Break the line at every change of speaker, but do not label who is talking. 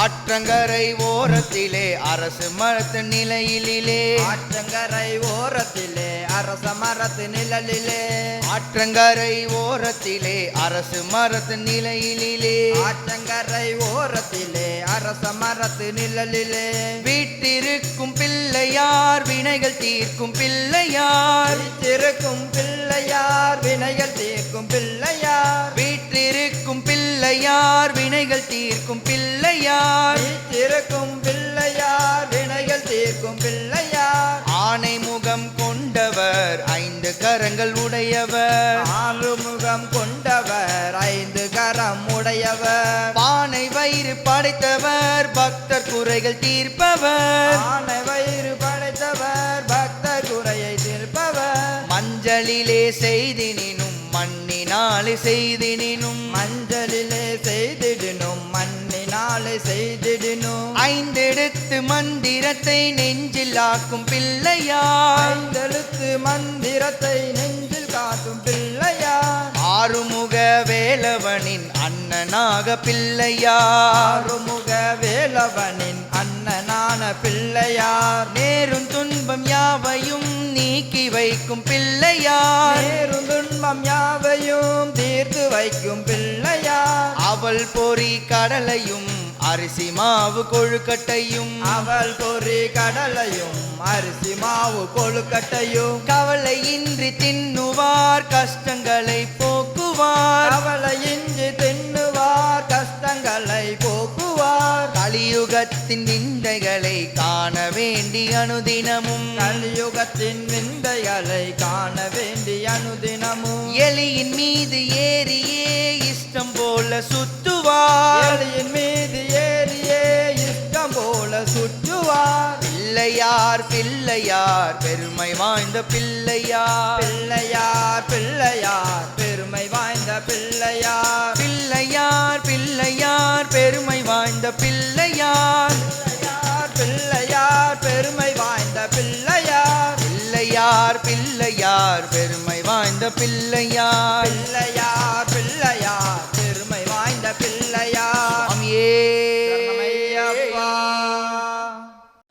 ஆற்றங்கரை ஓரத்திலே அரசு மரத்து நிலையிலே
ஆற்றங்கரை ஓரத்திலே அரச மரத்து நிழலிலே
ஆற்றங்கரை ஓரத்திலே அரசு மரத்து நிலையிலே
ஆற்றங்கரை ஓரத்திலே அரச மரத்து நிழலிலே
வீட்டிருக்கும் பிள்ளையார் வினைகள் தீர்க்கும் பிள்ளையார்
வீற்றிருக்கும் பிள்ளையார் வினைகள் தீர்க்கும் பிள்ளையார்
வீட்டிருக்கும் பிள்ளையார் வினைகள் தீர்க்கும் பிள்ளையார்
வீற்றிருக்கும் பிள்ளையார் வினைகள் தீர்க்கும் பிள்ளையார்
ஆனை முகம் கொண்டவர் ஐந்து கரங்கள் உடையவர்
ஆறுமுகம் கொண்டவர் ஐந்து கரம் உடையவர்
பானை வயிறு படைத்தவர் பக்தர் குறைகள் தீர்ப்பவர்
ஆனை வயிறு படைத்தவர் பக்தர் குறையை தீர்ப்பவர்
மஞ்சளிலே செய்தினும் மண்ணினாலே செய்தினும்
மஞ்சளிலே செய்திடனும் மண்ணினாலே செய்திடனும்
ஐந்தெடுத்து மந்திரத்தை நெஞ்சில் ஆக்கும் பிள்ளையார்
ஐந்தெழுத்து மந்திரத்தை நெஞ்சில் காட்டும் பிள்ளையார்
ஆறுமுக வேலவனின் அண்ணனாக பிள்ளையார்
ஆறுமுக வேலவனின் அண்ணனான பிள்ளையார்
நேரும் துன்பம் யாவையும் நீக்கி வைக்கும் பிள்ளையார்
நேரும் துன்பம் யாவையும் தீர்த்து வைக்கும் பிள்ளையார்
அவள் பொறி கடலையும் அரிசி மாவு கொழுக்கட்டையும்
அவள் பொறி கடலையும் அரிசி மாவு கொழுக்கட்டையும்
கவலையின்றி தின்னுவார் கஷ்டங்களை போக்குவார்
கவலையின்றி தின்னுவார் கஷ்டங்களை போக்குவார்
கலியுகத்தின் விந்தைகளை காண வேண்டி அனுதினமும்
கலியுகத்தின் விந்தைகளை காண வேண்டி அனுதினமும்
எலியின் மீது ஏறியே இஷ்டம் போல சுத்துவார்
எலியின் மீது ஏறியே இஷ்டம் போல சுற்றுவார்
பிள்ளையார் பிள்ளையார் பெருமை வாய்ந்த பிள்ளையார்
பிள்ளையார் பிள்ளையார் பெருமை வாய்ந்த பிள்ளையார்
பிள்ளையார் பிள்ளையார் பெருமை வாய்ந்த பிள்ளையார்
பிள்ளையார் பெருமை வாய்ந்த பிள்ளையார்
பிள்ளையார் பிள்ளையார் பெருமை வாய்ந்த பிள்ளையார்
பிள்ளையார் பிள்ளையார் பெருமை வாய்ந்த பிள்ளையார்
சுவாமியே